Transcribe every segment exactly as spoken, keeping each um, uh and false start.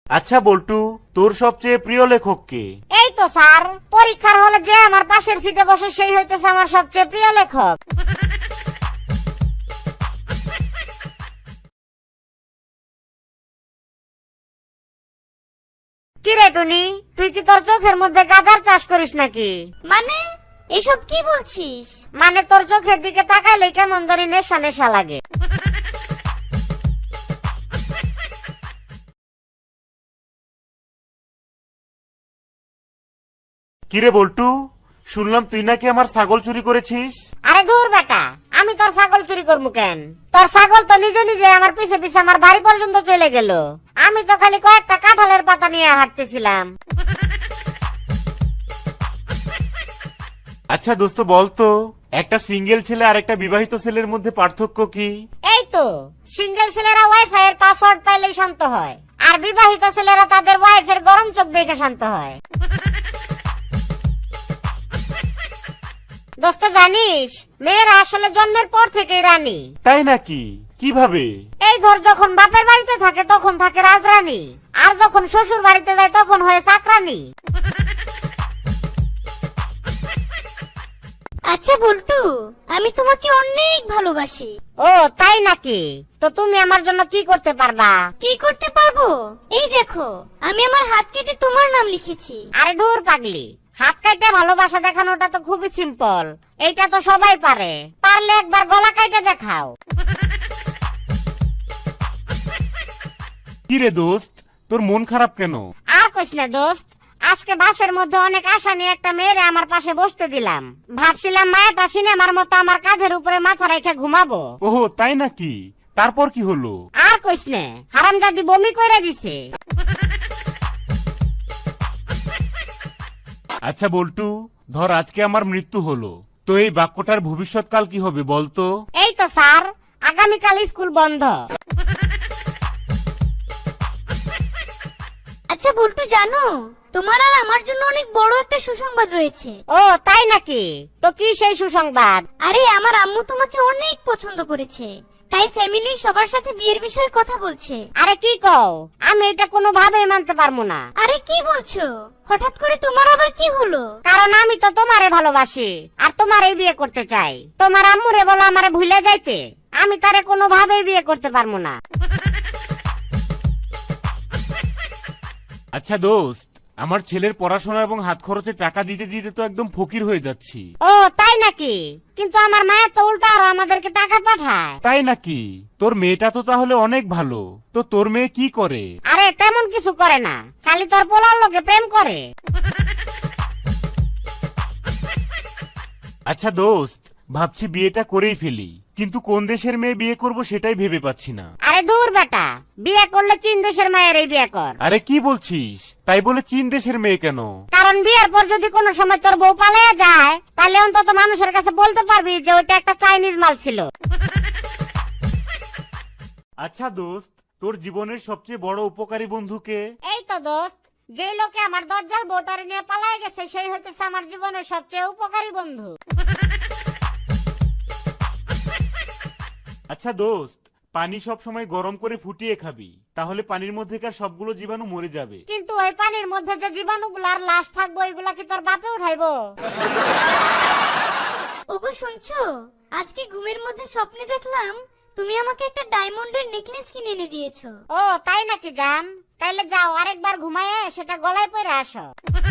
আচ্ছা বল্টু, তোর সবচেয়ে প্রিয় লেখক কে? এই তো স্যার, পরীক্ষার হলে যে আমার পাশের সিটে বসে সেই হইতেছে আমার সবচেয়ে প্রিয় লেখক। কি রে টুনি, তুই কি তোর চোখের মধ্যে গাঁজার চাষ করিস নাকি? মানে এসব কি বলছিস? মানে তোর চোখের দিকে তাকাইলে কেমন ধরে নেশা নেশা লাগে। কিরে বল্টু, শুনলাম তুই নাকি আমার ছাগল চুরি করেছিস? আরে দূর বেটা, আমি তোর ছাগল চুরি করবো কেন? তোর ছাগল তো নিজে নিজে আমার পিছে পিছে আমার বাড়ি পর্যন্ত চলে গেল। আমি তো খালি কয়েকটা কাঁঠালের পাতা নিয়ে হাঁটতেছিলাম। আচ্ছা দোস্ত, বলতো একটা সিঙ্গেল ছেলে আর একটা বিবাহিত ছেলের মধ্যে পার্থক্য কি? এই তো, সিঙ্গেল ছেলেরা ওয়াইফাই এর পাসওয়ার্ড পাইলেই শান্ত হয়, আর বিবাহিত ছেলেরা তাদের ওয়াইফের গরম চোখ দেখে শান্ত হয়। দোস্ত জানিস, মেয়েরা আসলে জন্মের পর থেকেই রানী। তাই নাকি? কিভাবে? এই ধর, যখন বাপের বাড়িতে থাকে তখন থাকে রাজরানী, আর যখন শ্বশুর বাড়িতে যায় তখন হয় চাকরানী। আচ্ছা বল্টু, আমি তোমাকে অনেক ভালোবাসি। ও তাই নাকি? তো তুমি আমার জন্য কি করতে পারবা? কি করতে পারবো? এই দেখো, আমি আমার হাত কেটে তোমার নাম লিখেছি। আরে দূর পাগলি, হাত কাটে ভালোবাসা দেখানোটা তো খুবই সিম্পল, এইটা তো সবাই পারে। পারলে একবার গলা কাটে দেখাও। কি রে দোস্ত, তোর মন খারাপ কেন? আর কইস না দোস্ত, আজকে বাসের মধ্যে অনেক আশা নিয়ে একটা মেয়েরে আমার পাশে বসতে দিলাম। ভাবছিলাম মায়াটা সিনেমার মতো আমার কাঁধের উপরে মাথা রেখে ঘুমাবো। ওহো তাই নাকি? তারপর কি হলো? আর কইস না, হারামজাদি বমি কইরা দিছে। আচ্ছা বল্টু, ধর আজকে আমার মৃত্যু হলো, তো এই বাক্যটার ভবিষ্যৎকাল কি হবে বলতো? এই তো স্যার, আগামীকাল স্কুল বন্ধ। আচ্ছা বল্টু, জানো তোমার আর আমার জন্য অনেক বড় একটা সুসংবাদ রয়েছে। ও তাই নাকি? তো কি সেই সুসংবাদ? আরে আমার আম্মু তোমাকে অনেক পছন্দ করেছে, তাই ফ্যামিলির সবার সাথে বিয়ের বিষয়ে কথা বলছে। আরে কি কও? আমি এটা কোনোভাবেই মানতে পারবো না। আরে কি বলছো? হঠাৎ করে তোমার আবার কি হলো? কারণ আমি তো তোমারে ভালোবাসি আর তোমারই বিয়ে করতে চাই। তোমার আম্মুরে বলো আমারে ভুলে যাইতে, আমি তারে কোনোভাবেই বিয়ে করতে পারবো না। আচ্ছা দোস্ত, আমার ছেলের পড়াশোনা এবং হাত খরচে টাকা দিতে দিতে তো একদম ফকির হয়ে যাচ্ছি। ও তাই নাকি? কিন্তু আমার মায়া তো উল্টা আরো আমাদেরকে টাকা পাঠায়। তাই নাকি? তোর মেয়েটা তো তাহলে অনেক ভালো। তো তোর মেয়ে কি করে? আরে তেমন কিছু করে না, খালি তোর পোলার লোকে প্রেম করে। আচ্ছা দোস্ত, ভাবছি বিয়েটা করেই ফেলি, কিন্তু কোন দেশের মেয়ে বিয়ে করব সেটাই ভেবে পাচ্ছি না। আরে দূর বেটা, বিয়ে করলে চীন দেশের মায়েরই বিয়ে কর। আরে কি বলছিস? তাই বলে চীন দেশের মেয়ে কেন? কারণ বিয়ের পর যদি কোনো সময় তোর বউ পালাইয়া যায়, তাহলে অন্তত মানুষের কাছে বলতে পারবি যে ওইটা একটা চাইনিজ মাল ছিল। আচ্ছা দোস্ত, তোর জীবনের সবচেয়ে বড় উপকারী বন্ধুকে? এই তো দোস্ত, যে লোকে আমার দজ্জাল বউটারে নিয়ে পালায় গেছে সেই হইতেছে আমার জীবনের সবচেয়ে উপকারী বন্ধু। আচ্ছা দোস্ত, পানি সব সময় গরম করে ফুটিয়ে খাবি, তাহলে পানির মধ্যেকার সবগুলো জীবাণু মরে যাবে। কিন্তু ওই পানির মধ্যে যে জীবাণুগুলার লাশ থাকবো, এগুলা কি তোর বাপে উঠাইবো? ওগো শুনছো, আজকে ঘুমের মধ্যে স্বপ্নে দেখলাম তুমি আমাকে একটা ডায়মন্ডের নেকলেস কিনে এনে দিয়েছো। ও তাই নাকি জান? তাইলে যাও আরেকবার ঘুমায়ে সেটা গলায় পরে আসো।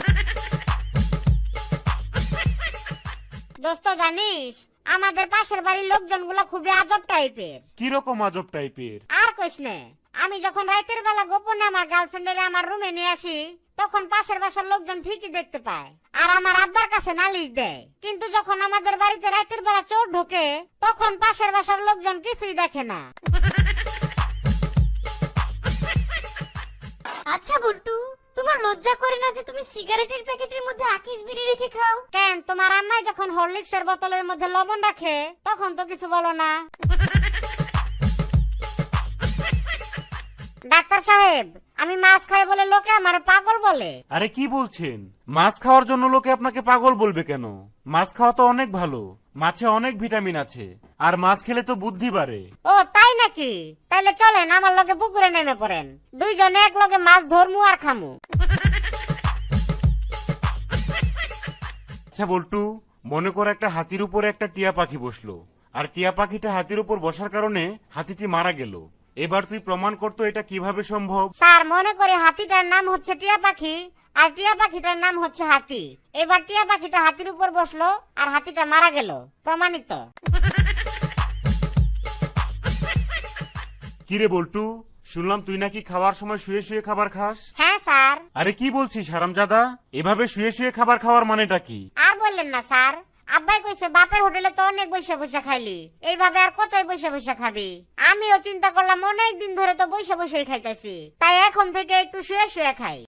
দোস্ত জানিস, আমাদের পাশের বাড়ির লোকজন গুলা খুবই আজব টাইপের। কিরকম আজব টাইপের? আর কইস নে, আমি যখন রাতের বেলা গোপনে আমার গার্লফ্রেন্ডের আমার রুমে নিয়ে আসি, তখন পাশের বাসার লোকজন ঠিকই দেখতে পায় আর আমার আব্বার কাছে নালিশ দেয়। কিন্তু যখন আমাদের বাড়িতে রাতের বেলা চোর ঢোকে, তখন পাশের বাসার লোকজন কিছুই দেখে না। আচ্ছা বল্টু, তোমার লজ্জা করে না যে তুমি সিগারেটের প্যাকেটের মধ্যে আকিস বিড়ি রেখে খাও? কেন, তোমার আম্মাই যখন হরলিক্সের বোতলের মধ্যে লবণ রাখে তখন তো কিছু বলো না। ডাক্তার সাহেব, আমি মাছ খাই বলে লোকে আমার পাগল বলে। আরে কি বলছেন? মাছ খাওয়ার জন্য লোকে আপনাকে পাগল বলবে কেন? মাছ খাওয়া তো অনেক ভালো। মাছে অনেক ভিটামিন আছে, আর মাছ খেলে তো বুদ্ধি বাড়ে। ও তাই নাকি? তাইলে চলেন আমার লগে পুকুরে নেমে পড়েন, দুইজনে এক লগে মাছ ধরমু আর খামু। আচ্ছা বল্টু, মনে করো একটা হাতির উপরে একটা টিয়া পাখি বসলো, আর টিয়া পাখিটা হাতির উপর বসার কারণে হাতিটি মারা গেল। এবার তুই প্রমাণ করতো এটা কিভাবে সম্ভব। স্যার মনে করে হাতিটার নাম হচ্ছে টিয়া পাখি, আর টিয়া পাখিটার নাম হচ্ছে হাতি। এবার টিয়া পাখিটা হাতির উপর বসলো আর হাতিটা মারা গেল, প্রমাণিত। কিরে বল্টু, শুনলাম তুই নাকি খাওয়ার সময় শুয়ে শুয়ে খাবার খাস? হ্যাঁ স্যার। আরে কি বলছিস হারামজাদা, এভাবে শুয়ে শুয়ে খাবার খাওয়ার মানেটা কি? আর বললেন না স্যার, আব্বাই কইছে বাপের হোটেলে তো অনেক বসে বসে খাইলি, এইভাবে আর কতই বসে বসে খাবি। আমিও চিন্তা করলাম অনেক দিন ধরে তো বসে বসেই খাইতেছি, তাই এখন থেকে একটু শুয়ে শুয়ে খাই।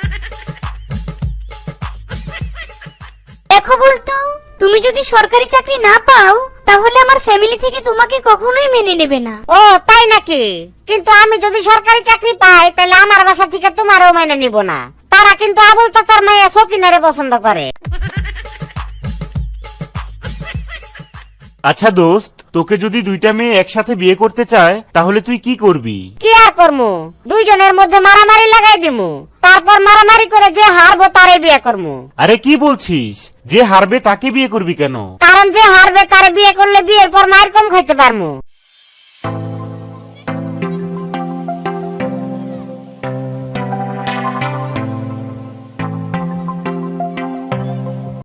দেখো বল্টু, তুমি যদি সরকারি চাকরি না পাও তাহলে আমার ফ্যামিলি থেকে তোমাকে কখনোই মেনে নেবে না। ও তাই নাকি? কিন্তু আমি যদি সরকারি চাকরি পাই তাহলে আমার বাসা থেকে তোমারও মেনে নিব না। তারা কিন্তু আবুল চাচার মেয়ে সকিনারে পছন্দ করে। আচ্ছা দোস্ত, তোকে যদি দুইটা মেয়ে একসাথে বিয়ে করতে চায় তাহলে তুই কি করবি? কি আর করমু, দুইজনের মধ্যে মারামারি লাগাই দিমু, তারপর মারামারি করে যে হারবো তারে বিয়ে করমু। আরে কি বলছিস, যে হারবে তাকে বিয়ে করবি কেন? কারণ যে হারবে তারে বিয়ে করলে বিয়ের পর মায়ের কম খাইতে পারমু।